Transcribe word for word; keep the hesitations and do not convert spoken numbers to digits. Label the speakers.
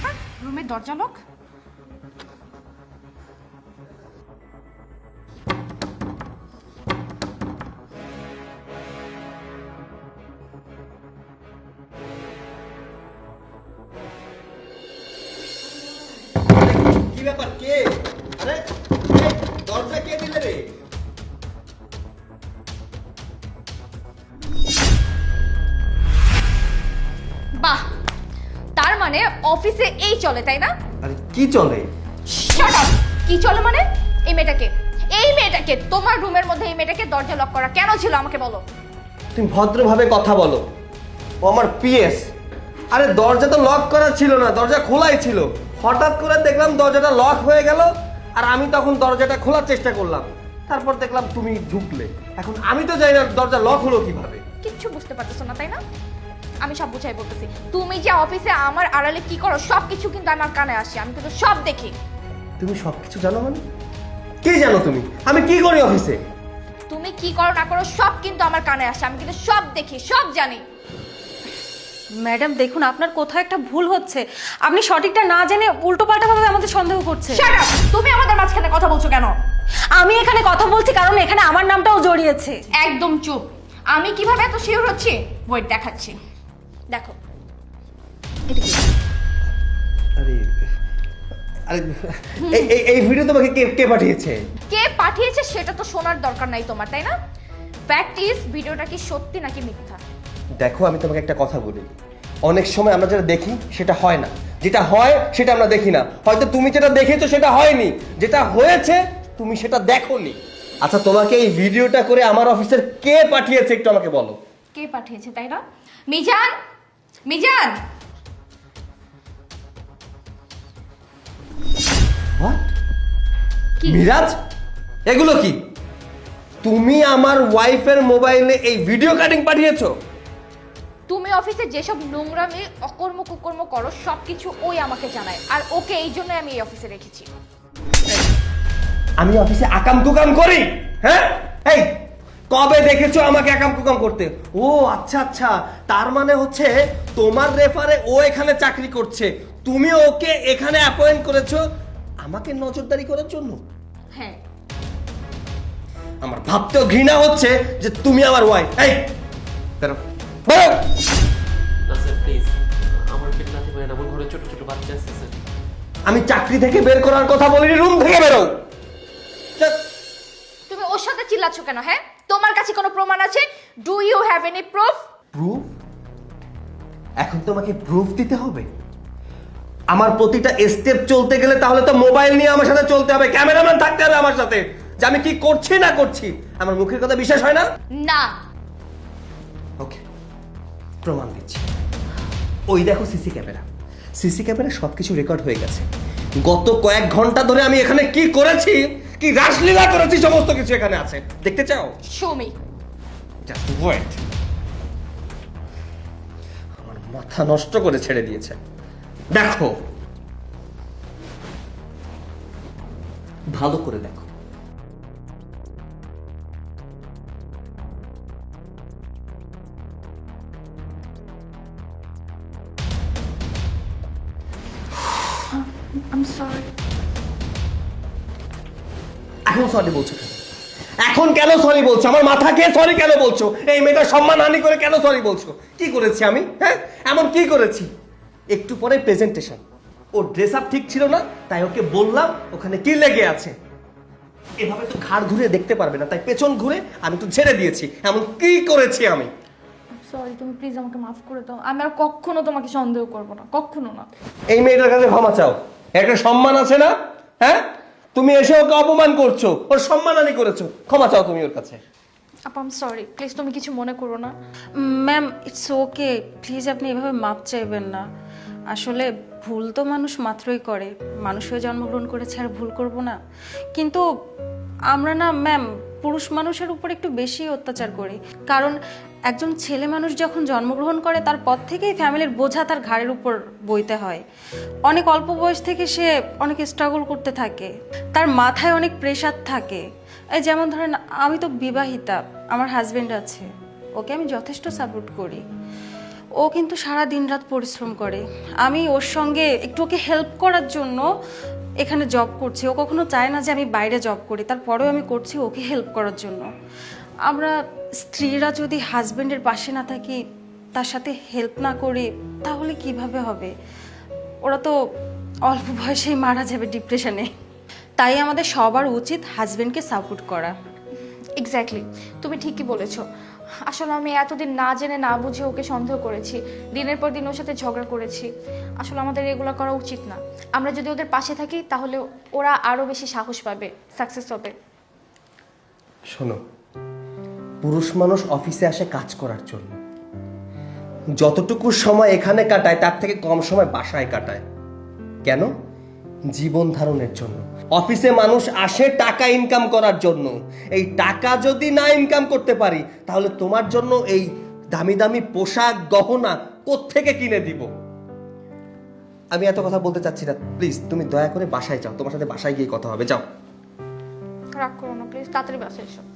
Speaker 1: ব্যাপার, রুমের দরজা লক?
Speaker 2: কি ব্যাপার, কে? আরে দরজা কে দিলে রে?
Speaker 1: বাহ, তার মানে অফিসে এই চলে, তাই না?
Speaker 2: আরে কি চলে?
Speaker 1: Shut up! কি চলে মানে? এই মেয়েটাকে, এই মেয়েটাকে তোমার রুমের মধ্যে এই মেয়েটাকে দরজা লক করা কেন ছিল আমাকে বলো।
Speaker 2: তুমি ভদ্রভাবে কথা বলো, ও আমার পিএস। আরে দরজা তো লক করা ছিল না, দরজা খোলাই ছিল। হঠাৎ করে দেখলাম দরজাটা লক হয়ে গেল, আর আমি তখন দরজাটা খোলার চেষ্টা করলাম। তারপর দেখলাম তুমি ঢুকলে। এখন আমি তো জানি না দরজা লক হলো কিভাবে।
Speaker 1: কিচ্ছু বুঝতে পারতেছো না, তাই না? আমি সব বুঝাই বলতেছি। তুমি যে অফিসে আমার আড়ালে কি করো সব কিছু কিন্তু আমার কানে আসে, আমি কিন্তু সব দেখি।
Speaker 2: তুমি সবকিছু জানো মানে? কি জানো তুমি? আমি কি করি অফিসে?
Speaker 1: তুমি কি করো না করো সব কিন্তু আমার কানে আসে, আমি কিন্তু সব দেখি, সব জানি।
Speaker 3: ম্যাডাম দেখুন, আপনার কোথাও একটা ভুল হচ্ছে। আপনি সঠিকটা না জেনে উল্টোপাল্টা ভাবে আমাদের সন্দেহ করছেন।
Speaker 1: Shut up! তুমি আমাদের মাঝখানে কথা বলছো কেন?
Speaker 3: আমি এখানে কথা বলছি কারণ এখানে আমার নামটাও জড়িয়েছে।
Speaker 1: একদম চুপ। আমি কিভাবে এত শিওর হচ্ছি ওয়েট দেখাচ্ছি। দেখো এটা কি?
Speaker 2: আরে আরে এই এই- এই ভিডিও তোমাকে কে কে পাঠিয়েছে?
Speaker 1: কে পাঠিয়েছে সেটা তো শোনার দরকার নাই তোমার, তাই না? ফ্যাক্ট ইজ ভিডিওটা কি সত্যি নাকি মিথ্যা।
Speaker 2: দেখো, আমি তোমাকে একটা কথা বলি। অনেক সময় আমরা যেটা দেখি সেটা হয় না, যেটা হয় সেটা আমরা দেখি না। হয়তো তুমি যেটা দেখেছো সেটা হয়নি, যেটা হয়েছে তুমি সেটা দেখোনি। আচ্ছা, তোমাকে এই ভিডিওটা করে আমার অফিসের কে পাঠিয়েছে একটু আমাকে বলো।
Speaker 1: কে পাঠিয়েছে তাই না? মিজান, মিজান!
Speaker 2: হোয়াট?
Speaker 1: কি?
Speaker 2: মিরাজ, এগুলো কি? তুমি আমার ওয়াইফের মোবাইলে এই ভিডিও কাটিং পাঠিয়েছো?
Speaker 1: তুমি অফিসে যেসব নোংরামি অকর্ম কুকর্ম করো সবকিছু ওই আমাকে জানায়, আর ওকে এই জন্য আমি এই অফিসে রেখেছি।
Speaker 2: আমি অফিসে আকাম কুকাম করি? হ্যাঁ, এই কবে দেখেছো আমাকে আকাম কুকাম করতে? ও আচ্ছা আচ্ছা, তার মানে হচ্ছে তোমার রেফারে ও এখানে চাকরি করছে, তুমি ওকে এখানে অ্যাপয়েন্ট করেছো আমাকে নজরদারি করার জন্য।
Speaker 1: হ্যাঁ।
Speaker 2: আমার ভাবতেও ঘৃণা হচ্ছে যে তুমি আমার ওয়াইফ। এই বেরো, বেরো।
Speaker 4: না স্যার প্লিজ, আমার পেট নাতি পারে না, আমার ঘরে ছোট ছোট বাচ্চা আছে স্যার।
Speaker 2: আমি চাকরি থেকে বের করার কথা বলিনি, রুম থেকে বেরো।
Speaker 1: তুমি ওর সাথে চিল্লাচ্ছ কেন? হ্যাঁ, তোমার কাছে কোনো প্রমাণ আছে? Do you have any proof?
Speaker 2: Proof? এখন তোমাকে প্রুফ দিতে হবে? আমার প্রতিটা স্টেপ চলতে গেলে তাহলে তো মোবাইল নিয়ে আমার সাথে চলতে হবে, ক্যামেরাম্যান থাকতে হবে আমার সাথে, যে আমি কি করছি না করছি। আমার মুখের কথা বিশ্বাস হয় না?
Speaker 1: না।
Speaker 2: ওকে, প্রমাণ দিচ্ছি। ওই দেখো সিসি ক্যামেরা, সিসি ক্যামেরা সবকিছু রেকর্ড হয়ে গেছে। গত কয়েক ঘন্টা ধরে আমি এখানে কি করেছি, কি রাসলীলা করেছি, সমস্ত কিছু এখানে আছে। দেখতে চাও?
Speaker 1: Show me.
Speaker 2: Just wait. আমার মাথা নষ্ট করে ছেড়ে দিয়েছে। দেখো, ভালো করে দেখো।
Speaker 1: I am sorry.
Speaker 2: এখন সরি বলছো কেন? এখন কেন সরি বলছো? আমার মাথা খেয়ে সরি কেন বলছো? এই মেয়েটা সম্মানহানি করে কেন সরি বলছো? কি করেছি আমি? হ্যাঁ, এমন কি করেছি? একটু পরে প্রেজেন্টেশন, ও ড্রেস আপ ঠিক ছিল না, তাই ওকে বললাম ওখানে কি লেগে আছে। এভাবে তো ঘাড় ঘুরে দেখতে পারবে না, তাই পেছন ঘুরে আমি তো ছেড়ে দিয়েছি। এমন কি করেছি আমি?
Speaker 1: সরি, তুমি প্লিজ আমাকে মাফ করে দাও। আমি আর কখনো তোমাকে সন্দেহ করব না, কখনো না।
Speaker 2: এই মেয়েটার কাছে ক্ষমা চাও। একটা সম্মান আছে না? হ্যাঁ, তুমি এসে ওকে অপমান করছো, ওর সম্মানহানি করেছো, ক্ষমা চাও তুমি ওর কাছে।
Speaker 1: আপা আই এম সরি, প্লিজ তুমি কিছু মনে করো না।
Speaker 3: ম্যাম ইটস ওকে, প্লিজ আপনি এভাবে মাপ চাইবেন না। আসলে ভুল তো মানুষ মাত্রই করে, মানুষ হয়ে জন্মগ্রহণ করেছে আর ভুল করব না? কিন্তু আমরা না ম্যাম পুরুষ মানুষের উপর একটু বেশি অত্যাচার করি। কারণ একজন ছেলে মানুষ যখন জন্মগ্রহণ করে তারপর থেকেই ফ্যামিলির বোঝা তার ঘাড়ের উপর বইতে হয়। অনেক অল্প বয়স থেকে সে অনেক স্ট্রাগল করতে থাকে, তার মাথায় অনেক প্রেশার থাকে। এই যেমন ধরেন আমি তো বিবাহিতা, আমার হাজবেন্ড আছে, ওকে আমি যথেষ্ট সাপোর্ট করি। ও কিন্তু সারা দিন রাত পরিশ্রম করে। আমি ওর সঙ্গে একটু ওকে হেল্প করার জন্য এখানে জব করছি। ও কখনো চায় না যে আমি বাইরে জব করি, তারপরেও আমি করছি ওকে হেল্প করার জন্য। আমরা স্ত্রীরা যদি হাজবেন্ডের পাশে না থাকি, তার সাথে হেল্প না করি, তাহলে কিভাবে হবে? ওরা তো অল্প বয়সেই মারা যাবে ডিপ্রেশনে। তাই আমাদের সবার উচিত হাজবেন্ডকে সাপোর্ট করা।
Speaker 1: এক্স্যাক্টলি, তুমি ঠিকই বলেছো। আসলে আমি এতদিন না জেনে না বুঝে ওকে সন্দেহ করেছি, দিনের পর দিন ওর সাথে ঝগড়া করেছি। আসলে আমাদের এগুলো করা উচিত না। আমরা যদি ওদের পাশে থাকি তাহলে ওরা আরও বেশি সাহস পাবে, সাকসেস হবে।
Speaker 2: শোনো, পুরুষ মানুষ অফিসে আসে কাজ করার জন্য, যতটুকু সময় এখানে কাটায় তার থেকে কম সময় বাসায় কাটায়। কেন? জীবন ধারণের জন্য। অফিসে মানুষ আসে টাকা ইনকাম করার জন্য। এই টাকা যদি না ইনকাম করতে পারি তাহলে তোমার জন্য এই দামি দামি পোশাক গহনা কোত্থেকে কিনে দিব? আমি এত কথা বলতে চাচ্ছি না, প্লিজ তুমি দয়া করে বাসায় যাও, তোমার সাথে বাসায় গিয়ে কথা হবে, যাও।
Speaker 1: রাগ করো না প্লিজ, তাড়াতাড়ি বাসায় এসো।